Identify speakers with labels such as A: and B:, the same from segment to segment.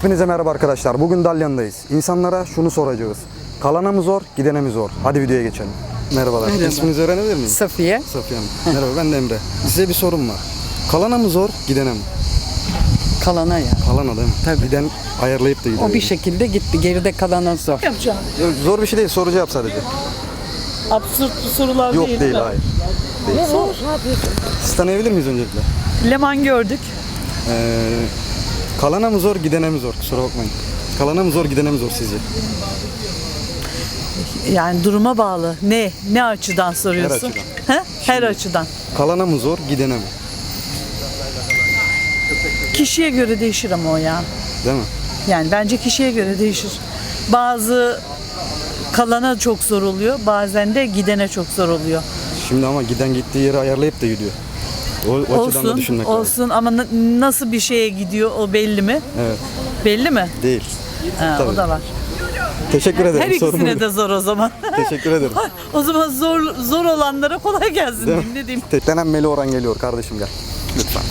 A: Hepinize merhaba arkadaşlar. Bugün Dalyan'dayız. İnsanlara şunu soracağız. Kalana mı zor, gidene mi zor? Hadi videoya geçelim. Merhabalar.
B: Merhaba.
A: İsminizi öğrenebilir miyim?
B: Safiye.
A: Safiye Hanım. Merhaba, ben de Emre. Size bir sorum var. Kalana mı zor, gidene mi?
B: Kalana ya.
A: Kalana değil mi?
B: Tabii.
A: Giden ayarlayıp da gidiyor.
B: O bir şekilde gitti. Geride kalana zor.
C: Yapacağım.
A: Yok, zor bir şey değil, soru cevap sadece.
C: Absürt sorular
A: Yok
C: değil.
A: değil,
C: mi?
A: hayır. Siz tanıyabilir miyiz öncelikle?
C: Leman gördük.
A: Kalana mı zor, gidene mi zor? Kusura bakmayın. Kalana mı zor, gidene mi zor sizce?
C: Yani duruma bağlı. Ne açıdan soruyorsun?
A: açıdan.
C: He? Her açıdan.
A: Kalana mı zor, gidene mi?
C: Kişiye göre değişir ama o ya.
A: Değil mi?
C: Yani bence kişiye göre değişir. Bazı kalana çok zor oluyor. Bazen de gidene çok zor oluyor.
A: Şimdi ama giden gittiği yeri ayarlayıp da gidiyor. O açıdan da düşünmek lazım.
C: Olsun ama nasıl bir şeye gidiyor o belli mi?
A: Evet.
C: Belli mi?
A: Değil.
C: Ha,
A: Tabii.
C: o da var.
A: Teşekkür ederim.
C: Her
A: Sorun
C: ikisine
A: buydu.
C: de zor o zaman.
A: Teşekkür ederim.
C: O zaman zor olanlara kolay gelsin
A: Değil mi?
C: diyeyim, ne diyeyim.
A: Denenmeli Orhan geliyor kardeşim, gel. Lütfen.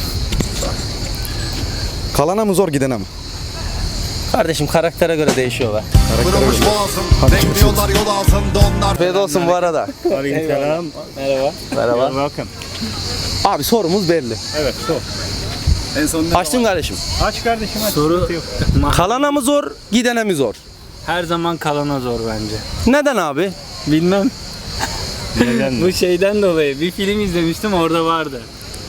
A: Kalana mı zor, gidene mi?
D: Kardeşim karaktere göre değişiyorlar.
E: Kırılmış boğazım, bekliyorlar yol altında onlar.
D: Afiyet olsun bu arada.
F: Aleykümselam.
D: Merhaba. Merhaba.
F: Welcome.
D: Abi sorumuz belli.
F: Evet, sor.
D: Açtım kardeşim.
F: Aç kardeşim aç.
G: Soru
F: Sıkıntı yok.
D: Kalana mı zor, gidene mi zor?
G: her zaman kalana zor bence.
D: Neden abi?
G: Bilmem.
F: Neden?
G: Bu şeyden dolayı bir film izlemiştim, orada vardı.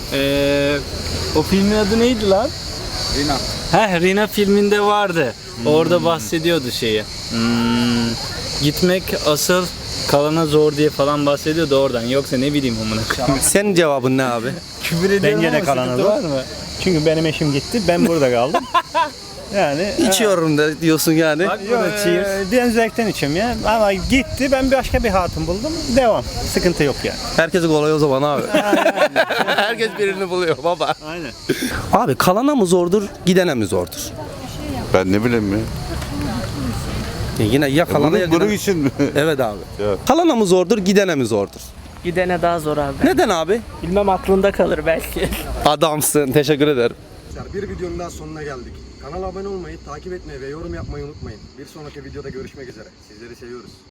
G: O filmin adı neydi lan? Rina. Rina filminde vardı. Orada bahsediyordu şeyi. Gitmek asıl kalana zor diye falan bahsediyordu oradan. Yoksa ne bileyim amına koyayım.
D: Senin cevabın ne abi?
G: Küfür ediyorum
F: Bence de
G: ama
F: kalana
G: sıkıntı
F: zor.
G: var mı?
F: Çünkü benim eşim gitti, ben burada kaldım. Yani
D: İçiyorum da diyorsun yani.
G: Bak burada cheers.
F: ben zevkten içiyorum ya. Ama gitti, ben başka bir hatun buldum. Devam. Sıkıntı yok yani.
D: Herkese kolay o zaman abi. Herkes birini buluyor baba.
F: Aynen.
D: Abi kalana mı zordur, gidene mi zordur?
E: Ben ne bileyim ya.
D: Yine ya kalana ya
E: Bunun
D: gidene.
E: için mi?
D: Evet abi.
E: Evet.
D: Kalana mı zordur, gidene mi zordur?
H: Gidene daha zor abi.
D: Neden abi?
H: Bilmem aklında kalır belki.
D: Adamsın. Teşekkür ederim.
A: Bir videonun daha sonuna geldik. Kanala abone olmayı, takip etmeyi ve yorum yapmayı unutmayın. Bir sonraki videoda görüşmek üzere. Sizleri seviyoruz.